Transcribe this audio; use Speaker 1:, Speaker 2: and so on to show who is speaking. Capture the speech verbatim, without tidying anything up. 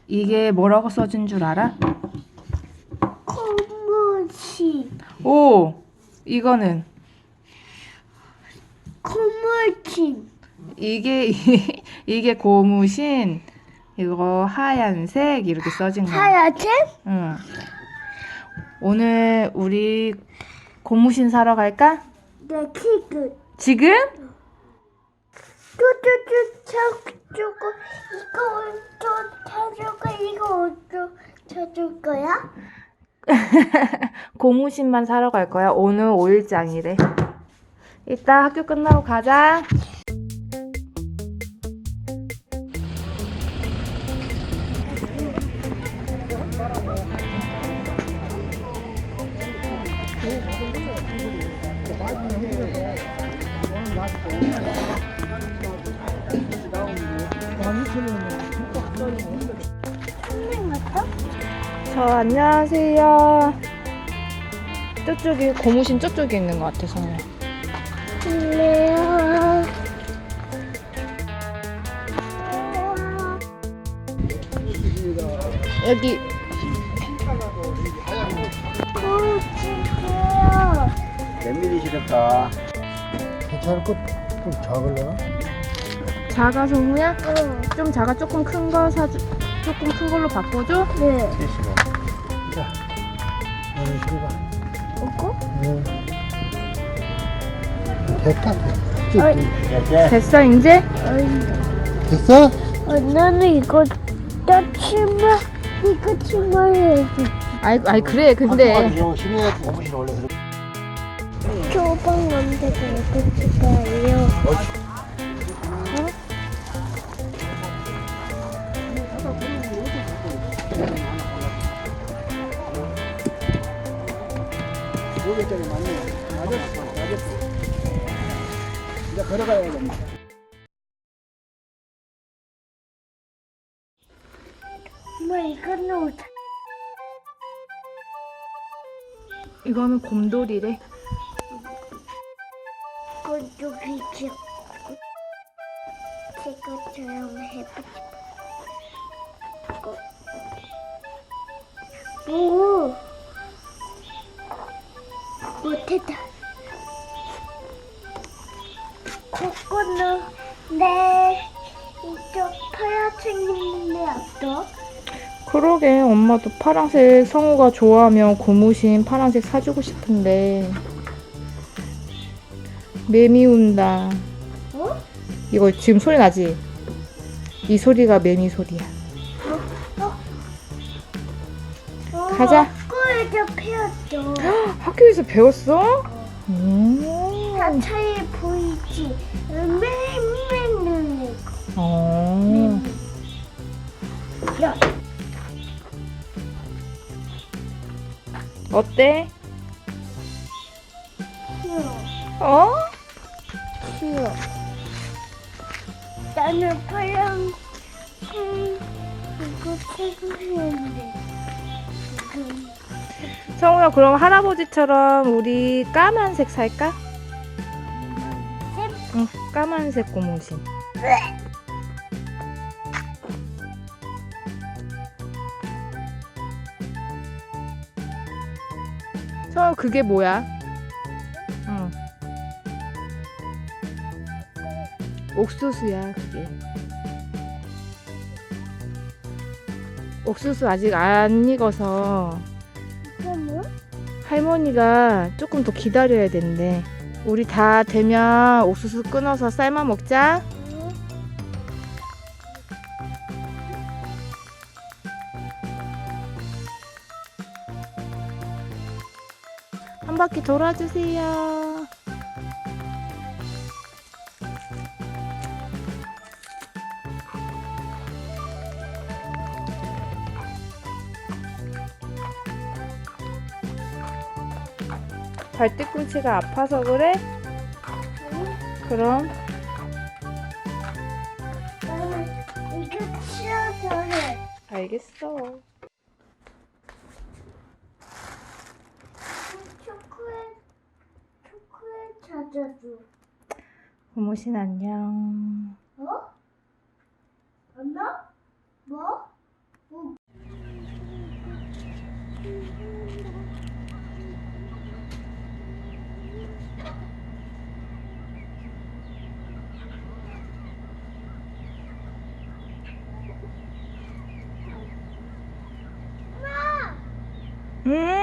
Speaker 1: 이게 뭐라고 써진 줄 알아?
Speaker 2: 고무신.
Speaker 1: 오! 이거는
Speaker 2: 고무신.
Speaker 1: 이게 이게 고무신. 이거 하얀색 이렇게 써진 거야.
Speaker 2: 하얗게?
Speaker 1: 응. 오늘 우리 고무신 사러 갈까?
Speaker 2: 네, 키그.
Speaker 1: 지금?
Speaker 2: 뚜뚜뚜 쳐주고 이거 또 쳐주고 이거 또 쳐줄 거야?
Speaker 1: 고무신만 사러 갈 거야. 오늘 오 일장이래. 이따 학교 끝나고 가자.
Speaker 2: 선생 맞다?
Speaker 1: 저 안녕하세요. 저쪽이 고무신 저쪽에 있는 것 같아서.
Speaker 2: 그래요.
Speaker 1: 여기
Speaker 2: 고치게요.
Speaker 3: 몇 미리 시렵다.
Speaker 4: 괜찮을 것 좀 작을려나?
Speaker 1: 작아 성우야?
Speaker 2: 어.
Speaker 1: 좀 작아. 조금 큰 거 사주. 조금 큰 걸로 바꿔줘.
Speaker 2: 네.
Speaker 3: 칠십오.
Speaker 4: 자, 너는 실어봐.
Speaker 2: 이거?
Speaker 4: 응. 됐다.
Speaker 2: 어이.
Speaker 3: 이렇게.
Speaker 1: 됐어 이제?
Speaker 4: 됐어?
Speaker 2: 어, 나는 이거 나 치마 이거 치마 해야지.
Speaker 1: 아이 아이 그래 근데
Speaker 4: 이거 신어야 고무신 원래 그래.
Speaker 2: 초방 만들고 이거 치마예요.
Speaker 4: 오 개짜리 맞네. 맞았어. 맞았어. 이제 걸어가야겠네.
Speaker 2: 엄마 이거는 옷.
Speaker 1: 이거는 곰돌이래.
Speaker 2: 이건 여기죠. 제가처럼 해보지. 오, 못했다. 코코넛 네 이쪽 파란색 있는데 어떠?
Speaker 1: 그러게 엄마도 파란색 성우가 좋아하면 고무신 파란색 사주고 싶은데 매미 운다.
Speaker 2: 어?
Speaker 1: 이거 지금 소리 나지? 이 소리가 매미 소리야. 가자.
Speaker 2: 학교에서 배웠죠.
Speaker 1: 학교에서 배웠어? 음.
Speaker 2: 자차에 보이지? 매일매일 눈에.
Speaker 1: 어.
Speaker 2: 야,
Speaker 1: 어때?
Speaker 2: 싫어.
Speaker 1: 어?
Speaker 2: 싫어. 나는 파랑, 음, 이거 최고였는데. 지금.
Speaker 1: 성우야 그럼 할아버지처럼 우리 까만색 살까? 응, 까만색 고무신. 성우 그게 뭐야? 응. 옥수수야 그게. 옥수수 아직 안 익어서
Speaker 2: 이거 뭐?
Speaker 1: 할머니가 조금 더 기다려야 된대. 우리 다 되면 옥수수 끊어서 삶아 먹자.
Speaker 2: 응?
Speaker 1: 한 바퀴 돌아주세요. 발뒤꿈치가 아파서 그래? 그럼
Speaker 2: 나는 이거 치워서 해.
Speaker 1: 알겠어.
Speaker 2: 초콜릿, 초콜릿 찾아줘.
Speaker 1: 고무신 안녕.
Speaker 2: 어? 안나? 뭐? 뭐?
Speaker 1: 음.